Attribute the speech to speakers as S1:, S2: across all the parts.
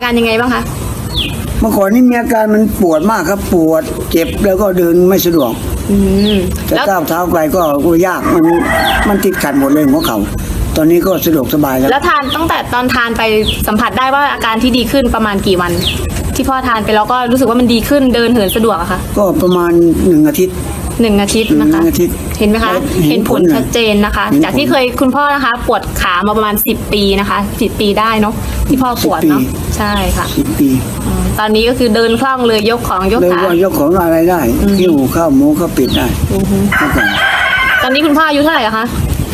S1: การยังไงบ้างคะ
S2: เมื่อก่อนนี่มีอาการมันปวดมากครับปวดเจ็บแล้วก็เดินไม่สะดวกจะก้าวเท้าไกลก็ยากมันติดขัดหมดเลยหัวเข่าตอนนี้ก็สะดวกสบายแล้ว
S1: ทานตั้งแต่ตอนทานไปสัมผัสได้ว่าอาการที่ดีขึ้นประมาณกี่วันที่พ่อทานไปแล้วก็รู้สึกว่ามันดีขึ้นเดินเหินสะดวกอะค่ะ
S2: ก็ประมาณ1 อาทิตย์
S1: นะคะเห็นไหมคะเห็นผลชัดเจนนะคะจากที่เคยคุณพ่อนะคะปวดขามาประมาณ10 ปีนะคะ10 ปีได้เนาะที่พ่อปวดเนาะใช่ค่ะ
S2: 10 ปี
S1: ตอนนี้ก็คือเดินคล่องเลยยกของยกขาย
S2: กของอะไรได้หิ้วข้าวหมูข้าวปิดได้
S1: ตอนนี้คุณพ่ออายุเท่าไหร่คะ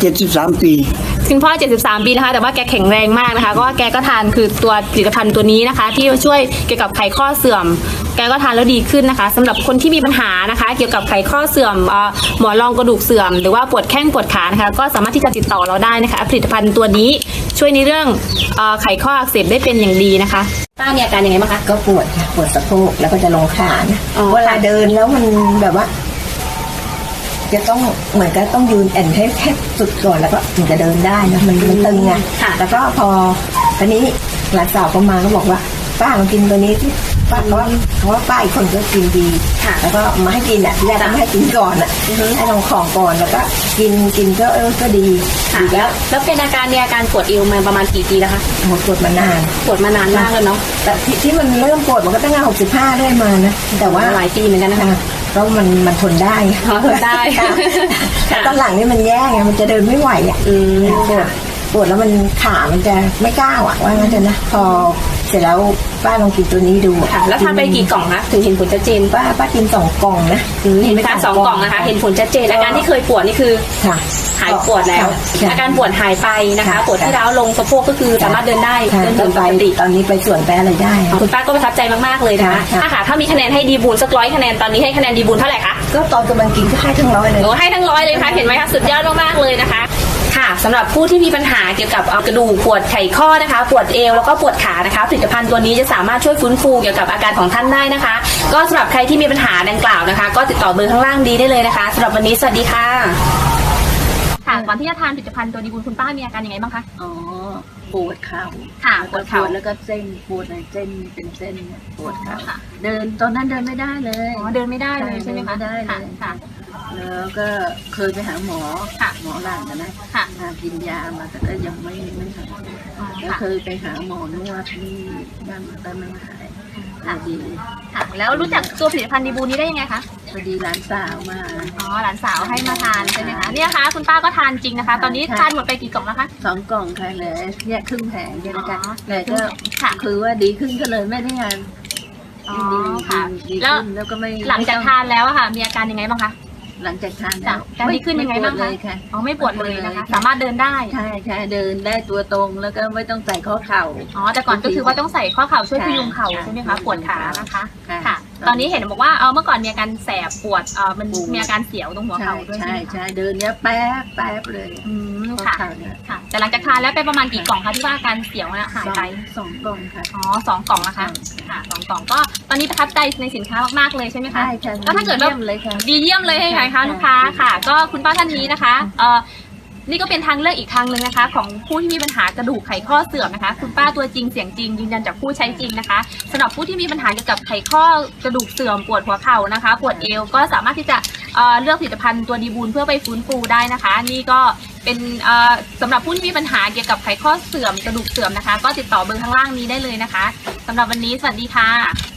S2: 73 ปี
S1: คุณพ่อ73 ปีนะคะแต่ว่าแกแข็งแรงมากนะคะก็แกก็ทานคือตัวผลิตภัณฑ์ตัวนี้นะคะที่ช่วยเกี่ยวกับไขข้อเสื่อมแกก็ทานแล้วดีขึ้นนะคะสำหรับคนที่มีปัญหานะคะเกี่ยวกับไขข้อเสื่อมหมอนรองกระดูกเสื่อมหรือว่าปวดแข้งปวดขานะคะก็สามารถที่จะติดต่อเราได้นะคะผลิตภัณฑ์ตัวนี้ช่วยในเรื่องไขข้ออักเสบได้เป็นอย่างดีนะคะป้ามีอาการยังไงบ้างคะ
S3: ก็ปวดค่ะปวดสะโพกแล้วก็จะลงขาเวลาเดินแล้วมันแบบว่าจะต้องเหมือนกับต้องยืนแอนให้แคบสุดก่อนแล้วก็ถึงจะเดินได้นะมันตึงไงแล้วก็พอตอนนี้หลานสาวก็มาก็บอกว่าป้าลองกินตัวนี้ที่ป้าเพราะว่าป้าอีกคนก็กินดีแล้วก็มาให้กินที่แรกไม่ให้กินก่อนให้ลองของก่อนแล้วก็กินก็ดี
S1: แล้วเป็นอาการปวดเอวมาประมาณกี่ปีแล้วคะ
S3: ปวดมานาน
S1: มากเลยเนาะ
S3: แต่ที่มันเริ่มปวดมันก็ตั้งแต่65ได้มานะแต่ว่า
S1: หลายปีเหมือนกันนะคะ
S3: เพราะมันทนได้
S1: ทนได้
S3: แต่ตอนหลังนี่มันแย่ไงมันจะเดินไม่ไหวปวดแล้วมันขามันจะไม่ก้าวว่างั้นเถอะนะพอเสร็จแล้วป้าลองกินตัวนี้ดู
S1: แล้วทานไปกี่กล่องคะถึงเห็นผลชัดเจน
S3: ป้ากิน2 กล่องนะ
S1: เห็นไหมคะ2 กล่องนะคะเห็นผลชัดเจนอาการที่เคยปวดนี่คือหายปวดแล้วอาการปวดหายไปนะคะปวดที่ร้าวลงสะโพกก็คือสามารถเดินได้
S3: เดินปกติตอนนี้ไปสวนไปอะไรได้
S1: คุณป้าก็ประทับใจมากๆเลยนะคะถ้ามีคะแนนให้ดีบูลสัก100 คะแนนตอนนี้ให้คะแนนดีบูลเท่าไหร่คะ
S3: ก็ตอนกำลังกินก็ให้ทั้ง100เลย
S1: ให้ทั้ง100เลยค่ะเห็นไหมคะสุดยอดมากๆเลยนะคะค่ะสำหรับผู้ที่มีปัญหาเกี่ยวกับกระดูกปวดไขข้อนะคะปวดเอวแล้วก็ปวดขานะคะผลิตภัณฑ์ตัวนี้จะสามารถช่วยฟื้นฟูเกี่ยวกับอาการของท่านได้นะคะก็สำหรับใครที่มีปัญหาดังกล่าวนะคะก็ติดต่อเบอร์ข้างล่างดีได้เลยนะคะสำหรับวันนี้สวัสดีค่ะค่ะก่อนที่จะทานผลิตภัณฑ์ตัวดีบุญคุณป้ามีอาการยังไงบ้างคะ
S4: ปวดเข่า
S1: ค่ะปวดเข่า
S4: แล้วก็เส้นปวดเส้นเป็นเส้นปวดเข่าเดินตอนนั้นเดินไม่ได้เลย
S1: เดินไม่ได้เลยใช่ไหมคะ
S4: ได้เลยค่ะแล้วก็เคยไปหาหมอหลังกันนะกินยามาแต่ก็ยังไม่หายแล้วเคยไปหาหมอนวดที่บ้านแต่ไม่หายดี
S1: ค่ะแล้วรู้จักตัวผลิตภัณฑ์ดีบูนี้ได้ยังไงคะ
S4: พอดีหลานสาวมา
S1: หลานสาวให้มาทานใช่ไหมคะเนี่ยค่ะคุณป้าก็ทานจริงนะคะตอนนี้ทานหมดไปกี่กล่องแล้วคะ
S4: 2 กล่องค่ะเลยแยกครึ่งแผงเนี่ยนะคะเลยก็คือว่าดีขึ้นก็เลยไม่ได้งาน
S1: ดีค่ะแล้วก็ไม่หลังจากทานแล้วค่ะมีอาการยังไงบ้างคะ
S4: หลังจากทานแล้ว
S1: การดีขึ้นยังไงบ้างคะไม่ปวดเลยนะคะสามารถเดินได้
S4: ใช่เดินได้ตัวตรงแล้วก็ไม่ต้องใส่ข้อเข่า
S1: แต่ก่อนก็คือว่าต้องใส่ข้อเข่าช่วยพยุงเข่าใช่ไหมคะปวดขานะคะค่ะตอนนี้เห็นบอกว่าเมื่อก่อนมีอาการแสบปวดมันมีอาการเสียวตรงหัวเข่าด้วย
S4: ใช่เดินเนี้ยแป๊บเลย
S1: ค่ะแต่หลังจากทานแล้วไปประมาณกี่กล่องคะที่ว่าอาการเสียวหายไป
S4: 2 กล่องค่ะ
S1: 2 กล่องนะคะค่ะ2 กล่องก็ตอนนี้ประทับใจในสินค้ามากๆเลยใช่ไหมคะ
S4: ใช่
S1: ก็ถ้าเกิดว่าดีเยี่ยมเลยให้ใครคะลูกค้าค่ะก็คุณป้าท่านนี้นะคะนี่ก็เป็นทางเลือกอีกทางหนึ่งนะคะของผู้ที่มีปัญหากระดูกไขข้อเสื่อมนะคะคุณป้าตัวจริงเสียงจริงยืนยันจากผู้ใช้จริงนะคะสำหรับผู้ที่มีปัญหาเกี่ยวกับไขข้อกระดูกเสื่อมปวดหัวเข่านะคะปวดเอวก็สามารถที่จะเลือกผลิตภัณฑ์ตัวดีบูลเพื่อไปฟื้นฟูได้นะคะนี่ก็เป็นสำหรับผู้ที่มีปัญหาเกี่ยวกับไขข้อเสื่อมกระดูกเสื่อมนะคะก็ติดต่อเบอร์ข้างล่างนี้ได้เลยนะคะสำหรับวันนี้สวัสดีค่ะ